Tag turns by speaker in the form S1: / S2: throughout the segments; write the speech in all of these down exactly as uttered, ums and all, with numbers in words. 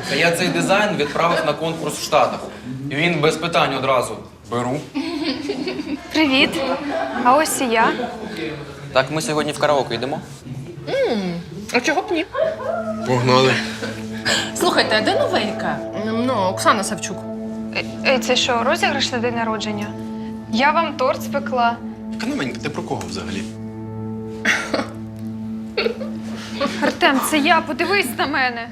S1: Та я цей дизайн відправив на конкурс в Штатах. І він без питань одразу. Беру.
S2: Привіт. А ось і я.
S1: Так, ми сьогодні в караоке йдемо?
S3: А чого б ні?
S4: Погнали.
S3: Слухайте, а де новенька? Ну, Оксана Савчук.
S2: Е, е, Це що, розіграш на день народження? Я вам торт спекла.
S4: Канаменька, ти про кого взагалі?
S2: Артем, це я, подивись на мене.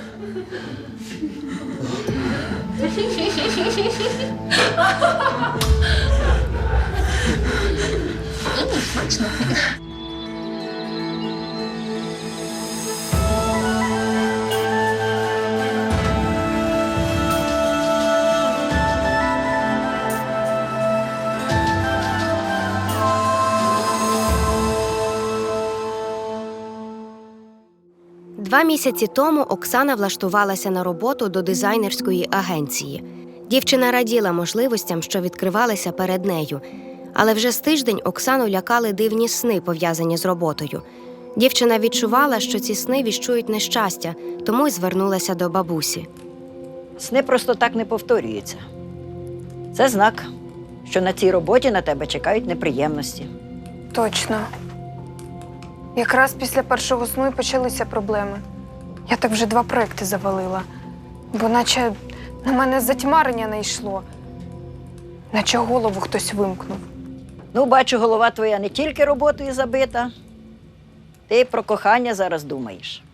S5: Два місяці тому Оксана влаштувалася на роботу до дизайнерської агенції. Дівчина раділа можливостям, що відкривалися перед нею. Але вже з тиждень Оксану лякали дивні сни, пов'язані з роботою. Дівчина відчувала, що ці сни віщують нещастя, тому й звернулася до бабусі.
S6: Сни просто так не повторюються. Це знак, що на цій роботі на тебе чекають неприємності.
S2: Точно. Якраз після першого сну і почалися проблеми. Я так вже два проекти завалила. Бо наче на мене затьмарення не йшло. Наче голову хтось вимкнув.
S6: Ну, бачу, голова твоя не тільки роботою забита, ти й про кохання зараз думаєш.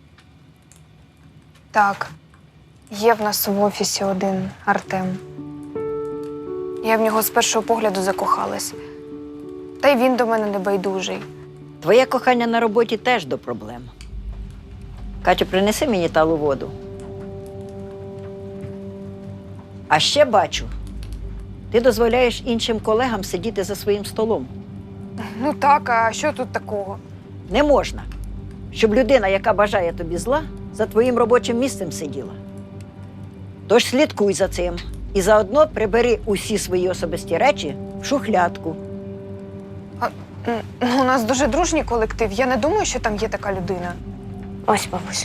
S2: Так, є в нас в офісі один Артем. Я в нього з першого погляду закохалась. Та й він до мене не байдужий.
S6: Твоє кохання на роботі теж до проблем. Катю, принеси мені талу воду. А ще бачу, ти дозволяєш іншим колегам сидіти за своїм столом.
S2: Ну так, а що тут такого?
S6: Не можна, щоб людина, яка бажає тобі зла, за твоїм робочим місцем сиділа. Тож слідкуй за цим і заодно прибери усі свої особисті речі в шухлядку.
S2: Ну, у нас дуже дружній колектив. Я не думаю, що там є така людина. Ось, бабусь.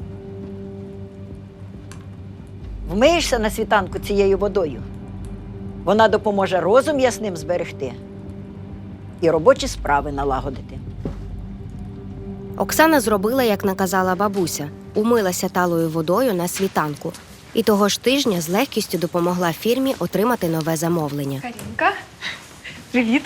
S6: Вмиєшся на світанку цією водою. Вона допоможе розум ясним зберегти і робочі справи налагодити.
S5: Оксана зробила, як наказала бабуся, умилася талою водою на світанку. І того ж тижня з легкістю допомогла фірмі отримати нове замовлення.
S2: Карінка, привіт.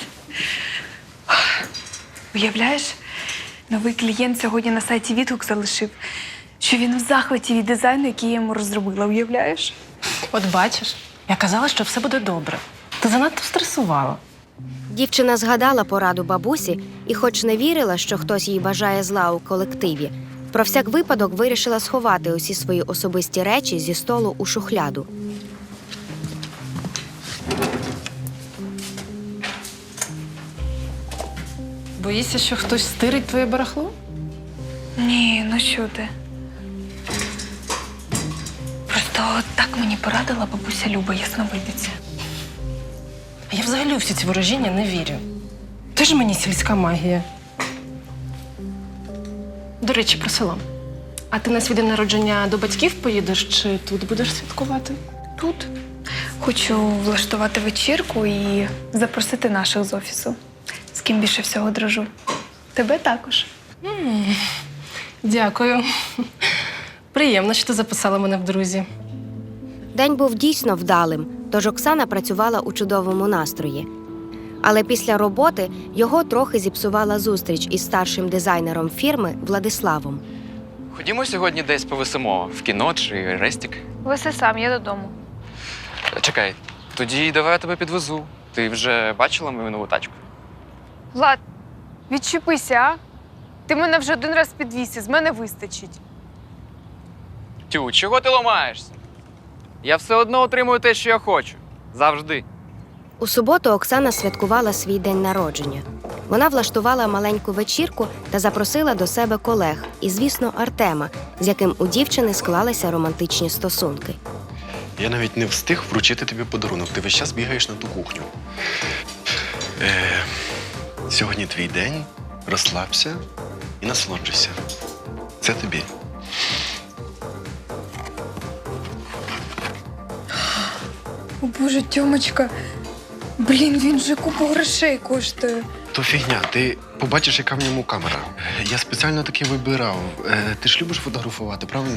S2: Уявляєш, новий клієнт сьогодні на сайті відгук залишив, що він в захваті від дизайну, який я йому розробила. Уявляєш?
S3: От бачиш, я казала, що все буде добре. Ти занадто стресувала.
S5: Дівчина згадала пораду бабусі і, хоч не вірила, що хтось їй бажає зла у колективі, про всяк випадок вирішила сховати усі свої особисті речі зі столу у шухляду.
S3: Боїшся, що хтось стирить твоє барахло?
S2: Ні, ну що ти? Просто так мені порадила бабуся Люба, ясновидиця.
S3: А я взагалі у всі ці ворожіння не вірю. Теж мені сільська магія. До речі, про село. А ти на свій день народження до батьків поїдеш чи тут будеш святкувати?
S2: Тут хочу влаштувати вечірку і запросити наших з офісу. З ким більше всього дружу. Тебе також.
S3: М, Дякую. Приємно, що ти записала мене в друзі.
S5: День був дійсно вдалим, тож Оксана працювала у чудовому настрої. Але після роботи його трохи зіпсувала зустріч із старшим дизайнером фірми Владиславом.
S1: Ходімо сьогодні десь повисимо. В кіно чи рестік.
S2: Веси сам, я додому.
S1: Чекай, тоді давай я тебе підвезу. Ти вже бачила мою нову тачку?
S2: Влад, відчепися, а? Ти мене вже один раз підвіз, і з мене вистачить.
S1: Тю, чого ти ламаєшся? Я все одно отримую те, що я хочу. Завжди.
S5: У суботу Оксана святкувала свій день народження. Вона влаштувала маленьку вечірку та запросила до себе колег і, звісно, Артема, з яким у дівчини склалися романтичні стосунки.
S4: Я навіть не встиг вручити тобі подарунок. Ти весь час бігаєш на ту кухню. Е, сьогодні твій день. Розслабся і насолоджуйся. Це тобі.
S2: О Боже, Тьомочка. Блін, він же купу грошей коштує.
S4: То фігня, ти побачиш, яка в ньому камера. Я спеціально таки вибирав. Е, ти ж любиш фотографувати, правильно?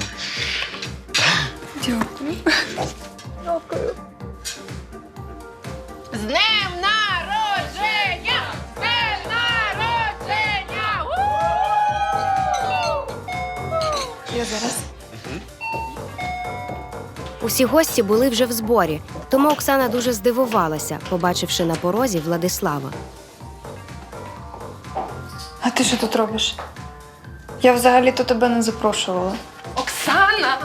S2: Дякую. Дякую.
S3: З днем народження! З днем народження!
S2: Я зараз.
S5: Усі гості були вже в зборі, тому Оксана дуже здивувалася, побачивши на порозі Владислава.
S2: А ти що тут робиш? Я взагалі-то тебе не запрошувала.
S3: Оксана!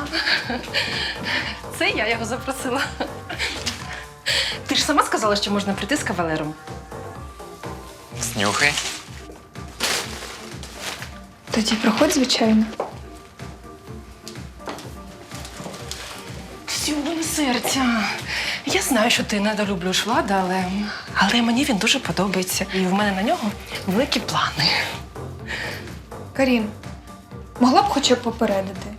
S3: Це я його запросила. Ти ж сама сказала, що можна прийти з кавалером.
S1: Снюхай.
S2: Тоді проходь, звичайно.
S3: Сьогодні серця. Я знаю, що ти недолюблюєш Влада, але... але мені він дуже подобається. І в мене на нього великі плани.
S2: Карін, могла б хоча б попередити?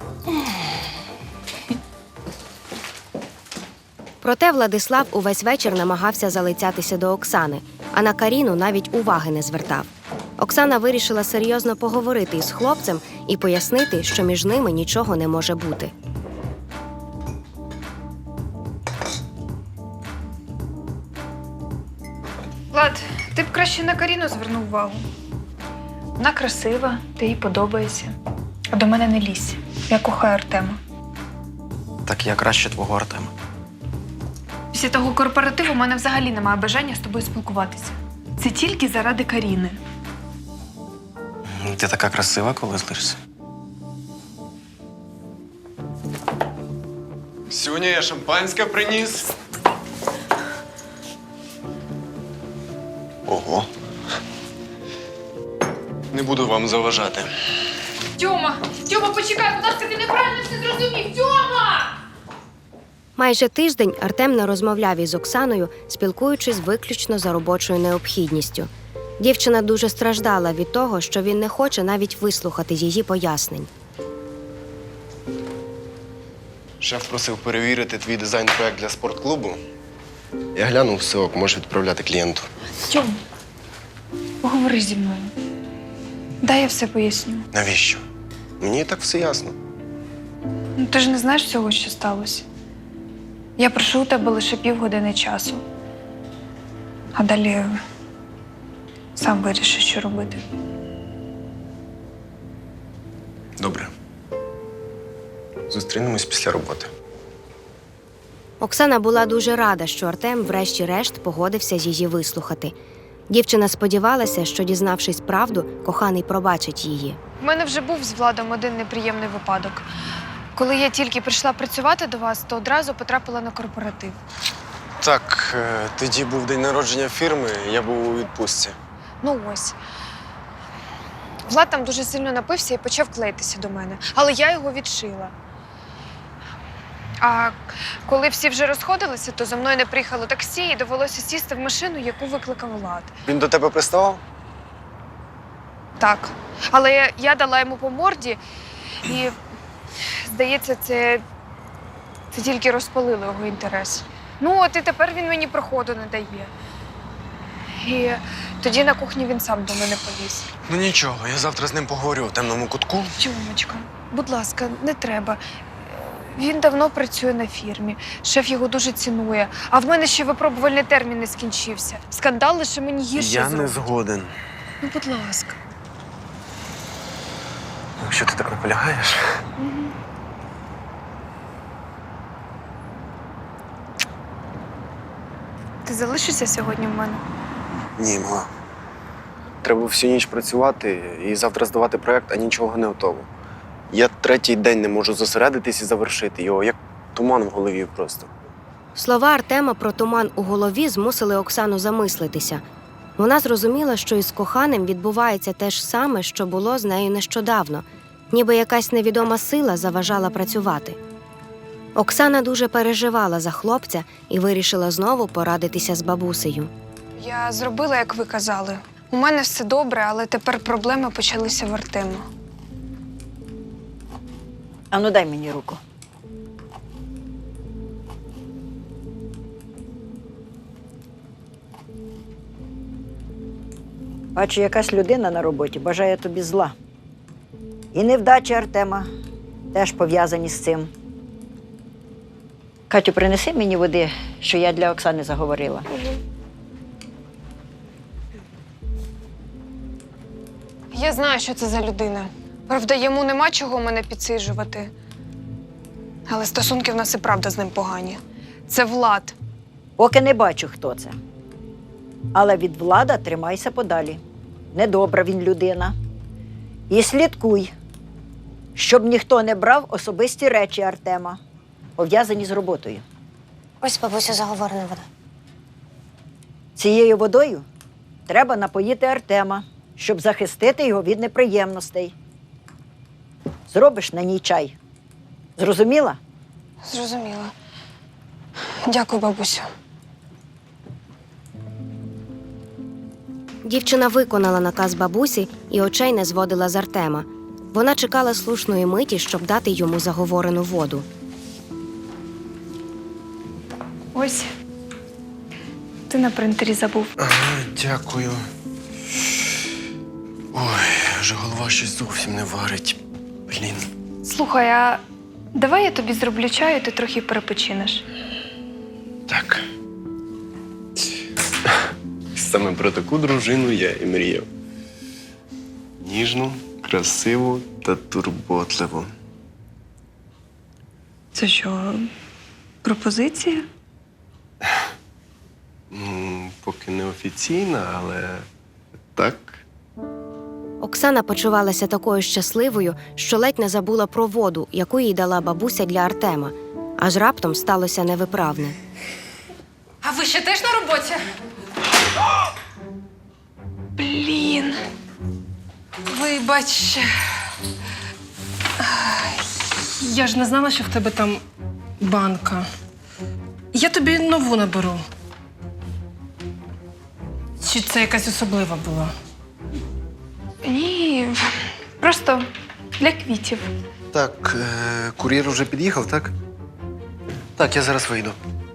S5: Проте Владислав увесь вечір намагався залицятися до Оксани, а на Каріну навіть уваги не звертав. Оксана вирішила серйозно поговорити із хлопцем і пояснити, що між ними нічого не може бути.
S2: Влад, ти б краще на Каріну звернув увагу. Вона красива, ти їй подобаєшся. А до мене не лізь. Я кохаю Артема.
S1: Так я краще твого Артема.
S2: Після того корпоративу у мене взагалі немає бажання з тобою спілкуватися. Це тільки заради Каріни.
S1: Ти така красива, коли злишся.
S4: Сьогодні я шампанське приніс. Ого. Не буду вам заважати.
S2: Тьома! Тьома, почекай, будь ласка, ти неправильно все зрозумів! Тьома!
S5: Майже тиждень Артем не розмовляв із Оксаною, спілкуючись виключно за робочою необхідністю. Дівчина дуже страждала від того, що він не хоче навіть вислухати її пояснень.
S4: Шеф просив перевірити твій дизайн-проект для спортклубу. Я глянув, все ок, можеш відправляти клієнту.
S2: Тьом, поговори зі мною. Дай я все поясню.
S4: Навіщо? Мені і так все ясно.
S2: Ну, ти ж не знаєш всього, що сталося. Я прошу у тебе лише півгодини часу. А далі сам вирішиш, що робити.
S4: Добре. Зустрінемось після роботи.
S5: Оксана була дуже рада, що Артем врешті-решт погодився її вислухати. Дівчина сподівалася, що, дізнавшись правду, коханий пробачить її.
S2: У мене вже був з Владом один неприємний випадок. Коли я тільки прийшла працювати до вас, то одразу потрапила на корпоратив.
S4: Так, е, тоді був день народження фірми, я був у відпустці.
S2: Ну ось. Влад там дуже сильно напився і почав клеїтися до мене. Але я його відшила. А коли всі вже розходилися, то за мною не приїхало таксі і довелося сісти в машину, яку викликав Влад.
S4: Він до тебе приставав?
S2: Так. Але я, я дала йому по морді і, здається, це, це тільки розпалило його інтерес. Ну, от і тепер він мені проходу не дає. І тоді на кухні він сам до мене поліз.
S4: Ну нічого, я завтра з ним поговорю в темному кутку.
S2: Тьомочка, будь ласка, не треба. Він давно працює на фірмі. Шеф його дуже цінує. А в мене ще випробувальний термін не скінчився. Скандал лише мені гірше
S4: Я не
S2: зробить.
S4: згоден.
S2: Ну, будь ласка.
S4: Якщо ти так наполягаєш.
S2: Ти залишишся сьогодні в мене?
S4: Ні, мала. Треба всю ніч працювати і завтра здавати проєкт, а нічого не готово. Я третій день не можу зосередитись і завершити його, як туман в голові просто.
S5: Слова Артема про туман у голові змусили Оксану замислитися. Вона зрозуміла, що із коханим відбувається те ж саме, що було з нею нещодавно, ніби якась невідома сила заважала працювати. Оксана дуже переживала за хлопця і вирішила знову порадитися з бабусею.
S2: Я зробила, як ви казали. У мене все добре, але тепер проблеми почалися в Артема.
S6: Ану, дай мені руку. Бачу, якась людина на роботі бажає тобі зла. І невдачі Артема теж пов'язані з цим. Катю, принеси мені води, що я для Оксани заговорила.
S2: Я знаю, що це за людина. Правда, йому нема чого мене підсиджувати. Але стосунки в нас і правда з ним погані. Це Влад.
S6: Поки не бачу, хто це. Але від Влада тримайся подалі. Недобра він людина. І слідкуй, щоб ніхто не брав особисті речі Артема, пов'язані з роботою.
S5: Ось бабусю заговорена вода.
S6: Цією водою треба напоїти Артема, щоб захистити його від неприємностей. Зробиш на ній чай. Зрозуміла?
S2: Зрозуміла. Дякую, бабусю.
S5: Дівчина виконала наказ бабусі і очей не зводила з Артема. Вона чекала слушної миті, щоб дати йому заговорену воду.
S2: Ось. Ти на принтері забув.
S4: Ага, дякую. Ой, вже голова щось зовсім не варить. Блін.
S2: Слухай, а давай я тобі зроблю чаю, ти трохи перепочинеш.
S4: Так. Саме про таку дружину я і мріяв. Ніжну, красиву та турботливу.
S2: Це що, пропозиція?
S4: М, Поки не офіційна, але так.
S5: Оксана почувалася такою щасливою, що ледь не забула про воду, яку їй дала бабуся для Артема. Аж раптом сталося невиправне.
S3: А ви ще теж на роботі?
S2: Блін.
S3: Вибач. Ай, Я ж не знала, що в тебе там банка. Я тобі нову наберу. Чи це якась особлива була?
S2: Ні, просто для квітів.
S4: Так, е- кур'єр вже під'їхав, так? Так, я зараз вийду.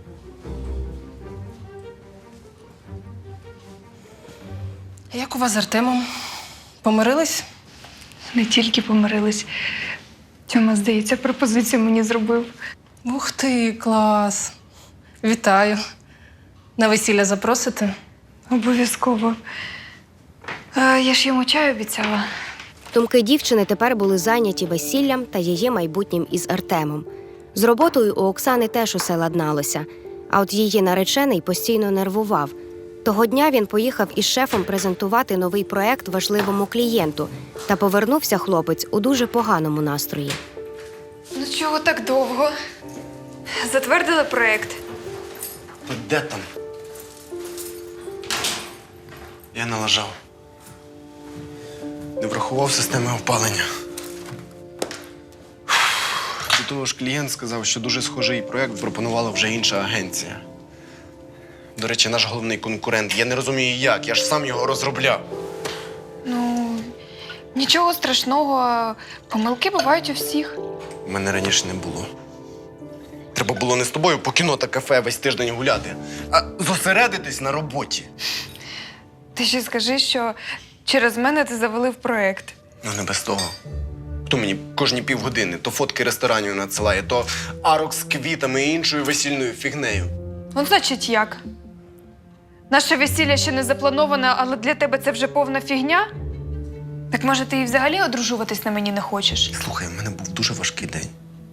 S3: Як у вас з Артемом? Помирились?
S2: Не тільки помирились. Тьома, здається, пропозицію мені зробив.
S3: Ух ти, клас. Вітаю. На весілля запросите?
S2: Обов'язково. Е, я ж йому чай обіцяла.
S5: Думки дівчини тепер були зайняті весіллям та її майбутнім із Артемом. З роботою у Оксани теж усе ладналося, а от її наречений постійно нервував. Того дня він поїхав із шефом презентувати новий проект важливому клієнту, та повернувся хлопець у дуже поганому настрої.
S2: Ну чого так довго? Затвердили проєкт.
S4: Та де там? Я налажав. Не врахував системи опалення. До того ж, клієнт сказав, що дуже схожий проєкт пропонувала вже інша агенція. До речі, наш головний конкурент. Я не розумію, як. Я ж сам його розробляв.
S2: Ну, нічого страшного. Помилки бувають у всіх.
S4: У мене раніше не було. Треба було не з тобою по кіно та кафе весь тиждень гуляти, а зосередитись на роботі.
S2: Ти ще скажи, що через мене ти завалив проєкт.
S4: Ну, не без того. Хто мені кожні півгодини то фотки ресторанів надсилає, то арок з квітами і іншою весільною фігнею.
S2: Ну, значить, як? Наше весілля ще не заплановане, але для тебе це вже повна фігня? Так може ти і взагалі одружуватись на мені не хочеш?
S4: Слухай, в мене був дуже важкий день.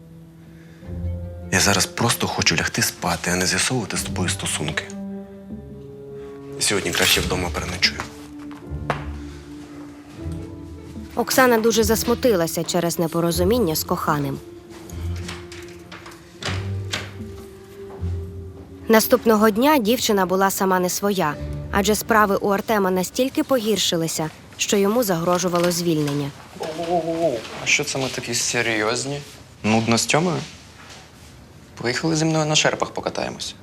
S4: Я зараз просто хочу лягти спати, а не з'ясовувати з тобою стосунки. Сьогодні краще вдома переночую.
S5: Оксана дуже засмутилася через непорозуміння з коханим. Наступного дня дівчина була сама не своя, адже справи у Артема настільки погіршилися, що йому загрожувало звільнення.
S1: Оу, а що це ми такі серйозні? Нудно з Тьомою? Поїхали зі мною на шерпах покатаємося.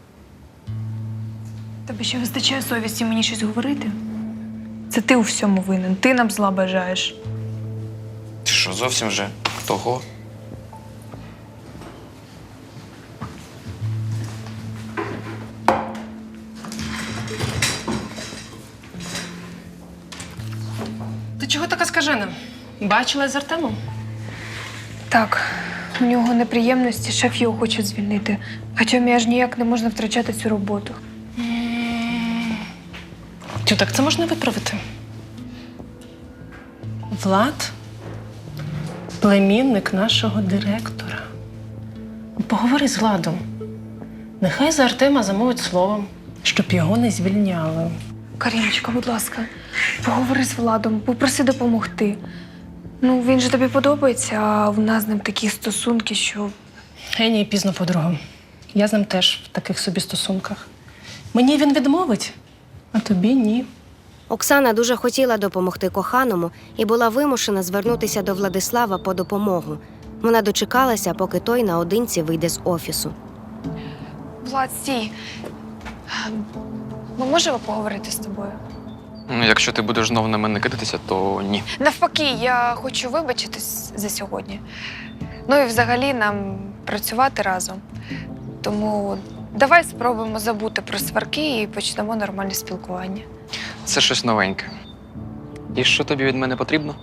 S2: Тобі ще вистачає совісті мені щось говорити? Це ти у всьому винен, ти нам зла бажаєш.
S1: Ти що, зовсім вже того?
S3: чого така скажена? Бачила з Артемом?
S2: Так, у нього неприємності, шеф його хоче звільнити. А Тьомі аж ніяк не можна втрачати цю роботу.
S3: Тю, так це можна виправити. Влад – племінник нашого директора. Поговори з Владом. Нехай за Артема замовить словом, щоб його не звільняли.
S2: Каріночка, будь ласка, поговори з Владом, попроси допомогти. Ну, він же тобі подобається, а в нас з ним такі стосунки, що…
S3: Геній пізно, подруга. Я з ним теж в таких собі стосунках. Мені він відмовить, а тобі ні.
S5: Оксана дуже хотіла допомогти коханому і була вимушена звернутися до Владислава по допомогу. Вона дочекалася, поки той наодинці вийде з офісу.
S2: Влад, стій. Ми можемо поговорити з тобою?
S1: Ну, якщо ти будеш знову на мене кидатися, то ні.
S2: Навпаки, я хочу вибачитись за сьогодні. Ну і взагалі нам працювати разом. Тому давай спробуємо забути про сварки і почнемо нормальне спілкування.
S1: Це щось новеньке. І що тобі від мене потрібно?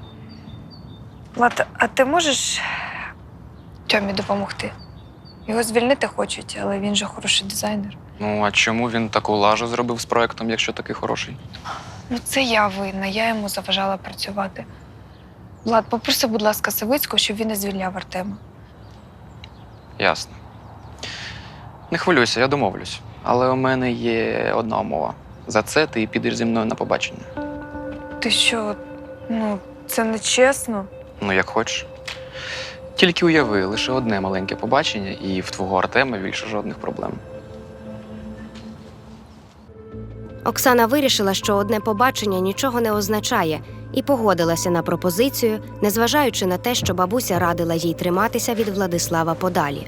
S2: Влад, а ти можеш Тьомі допомогти? Його звільнити хочуть, але він же хороший дизайнер.
S1: Ну, а чому він таку лажу зробив з проектом, якщо такий хороший?
S2: Ну, це я винна, я йому заважала працювати. Влад, попроси, будь ласка, Савицького, щоб він не звільняв Артема.
S1: Ясно. Не хвилюйся, я домовлюсь. Але у мене є одна умова. За це ти підеш зі мною на побачення.
S2: Ти що, ну, це не чесно.
S1: Ну, як хочеш. Тільки уяви, лише одне маленьке побачення, і в твого Артема більше жодних проблем.
S5: Оксана вирішила, що одне побачення нічого не означає, і погодилася на пропозицію, незважаючи на те, що бабуся радила їй триматися від Владислава подалі.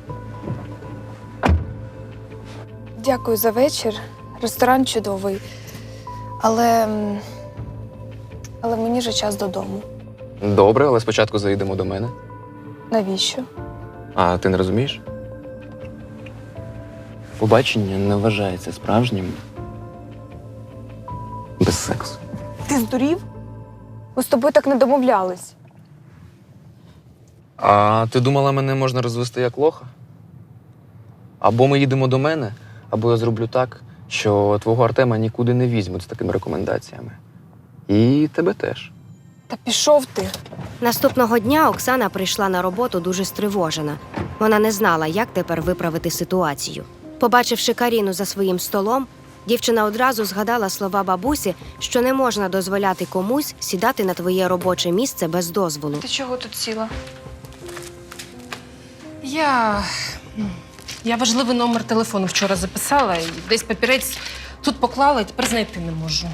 S2: Дякую за вечір. Ресторан чудовий. Але. м, Але мені вже час додому.
S1: Добре, але спочатку заїдемо до мене.
S2: Навіщо?
S1: А ти не розумієш? Побачення не вважається справжнім без сексу.
S2: Ти здурів? Ми з тобою так не домовлялись.
S1: А ти думала, мене можна розвести як лоха? Або ми їдемо до мене, або я зроблю так, що твого Артема нікуди не візьмуть з такими рекомендаціями. І тебе теж.
S2: Та пішов ти.
S5: Наступного дня Оксана прийшла на роботу дуже стривожена. Вона не знала, як тепер виправити ситуацію. Побачивши Каріну за своїм столом, дівчина одразу згадала слова бабусі, що не можна дозволяти комусь сідати на твоє робоче місце без дозволу.
S2: Ти чого тут сіла?
S3: Я. Я важливий номер телефону вчора записала і десь папірець тут поклала, і тепер знайти не можу.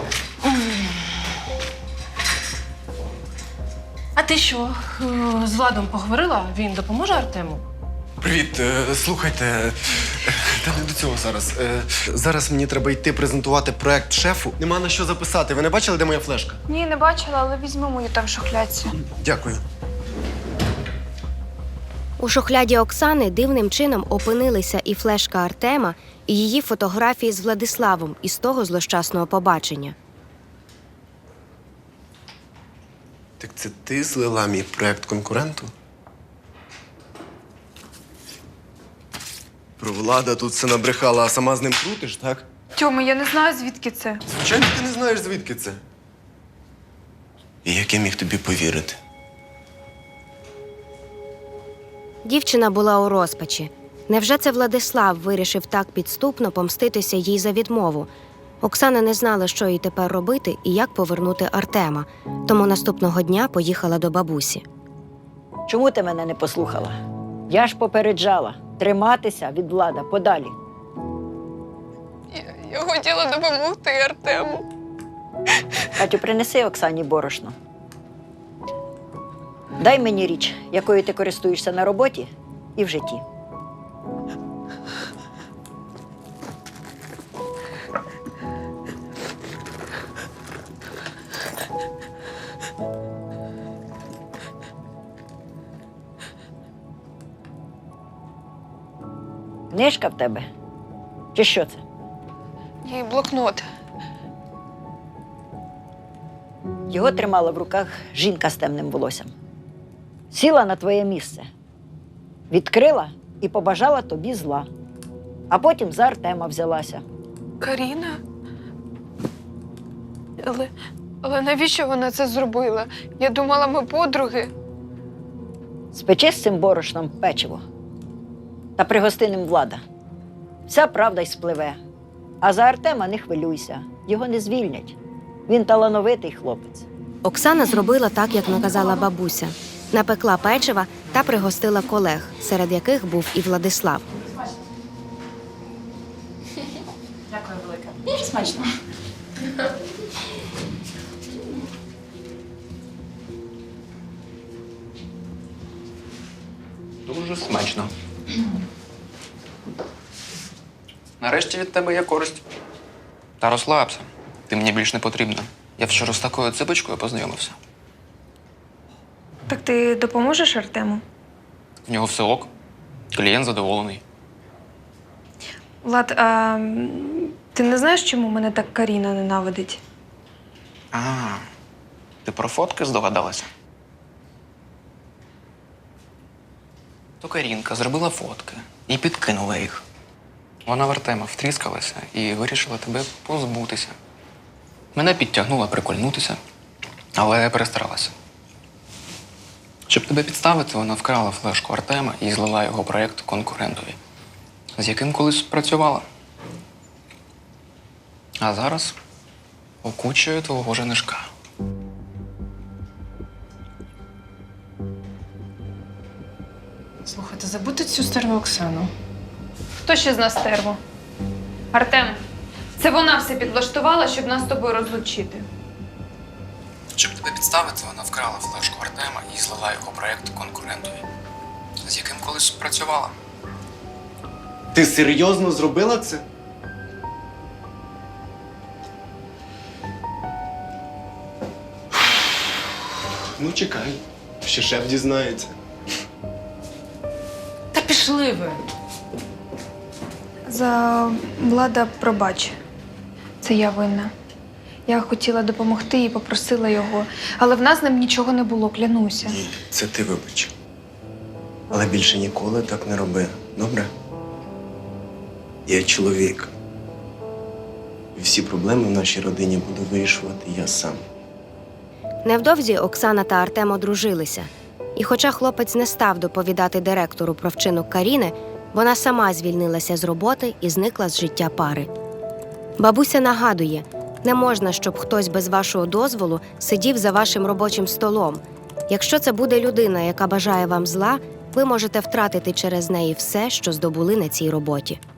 S3: А ти що, е, з Владом поговорила? Він допоможе Артему?
S4: Привіт, е, слухайте, е, та не до цього зараз. Е, Зараз мені треба йти презентувати проект шефу. Нема на що записати. Ви не бачили, де моя флешка?
S2: Ні, не бачила, але візьми мою там в шухлядці.
S4: Дякую.
S5: У шухляді Оксани дивним чином опинилися і флешка Артема, і її фотографії з Владиславом із того злощасного побачення.
S4: Так це ти злила мій проект конкуренту? Про Влада тут все набрехала, а сама з ним крутиш, так?
S2: Тьома, я не знаю, звідки це.
S4: Звичайно, ти не знаєш, звідки це. І як я міг тобі повірити?
S5: Дівчина була у розпачі. Невже це Владислав вирішив так підступно помститися їй за відмову? Оксана не знала, що їй тепер робити і як повернути Артема, тому наступного дня поїхала до бабусі.
S6: Чому ти мене не послухала? Я ж попереджала триматися від Влада подалі.
S2: Я, я хотіла допомогти Артему.
S6: Катю, принеси Оксані борошно. Дай мені річ, якою ти користуєшся на роботі і в житті. Книжка в тебе? Чи що це?
S2: Їй блокнот.
S6: його тримала в руках жінка з темним волоссям. Сіла на твоє місце, відкрила і побажала тобі зла. А потім за Артема взялася.
S2: Каріна? Але, але навіщо вона це зробила? Я думала, ми подруги.
S6: Спечи з цим борошном печиво та пригости ним Влада. Вся правда й спливе. А за Артема не хвилюйся, його не звільнять. Він талановитий хлопець.
S5: Оксана зробила так, як наказала бабуся. Напекла печива та пригостила колег, серед яких був і Владислав.
S7: Дякую велике. Дуже смачно.
S1: Дуже смачно. Нарешті від тебе є користь. Та розслабся. Ти мені більш не потрібна. Я вчора з такою ципочкою познайомився.
S2: Так ти допоможеш Артему?
S1: В нього все ок. Клієнт задоволений.
S2: Влад, а м, ти не знаєш, чому мене так Каріна ненавидить?
S1: А, ти про фотки здогадалася? То Карінка зробила фотки і підкинула їх. Вона в Артема втріскалася і вирішила тебе позбутися. Мене підтягнула прикольнутися, але я перестаралася. Щоб тебе підставити, вона вкрала флешку Артема і злила його проєкт конкурентові, з яким колись працювала. А зараз окучує твого женишка.
S3: Слухайте, забудьте цю стару Оксану.
S2: Хто ще з нас стерву? Артем, це вона все підлаштувала, щоб нас з тобою розлучити.
S1: Щоб тебе підставити, вона вкрала флешку Артема і злила його проєкт конкурентові, з яким колись працювала.
S4: Ти серйозно зробила це? Ну, чекай, ще шеф дізнається.
S3: Та пішли ви.
S2: За Влада пробач. Це я винна. Я хотіла допомогти і попросила його, але в нас з ним нічого не було, клянуся.
S4: Ні, це ти вибач. Але більше ніколи так не роби, добре? Я чоловік. І всі проблеми в нашій родині буду вирішувати я сам.
S5: Невдовзі Оксана та Артем одружилися. І хоча хлопець не став доповідати директору про вчинок Каріни, вона сама звільнилася з роботи і зникла з життя пари. Бабуся нагадує, не можна, щоб хтось без вашого дозволу сидів за вашим робочим столом. Якщо це буде людина, яка бажає вам зла, ви можете втратити через неї все, що здобули на цій роботі.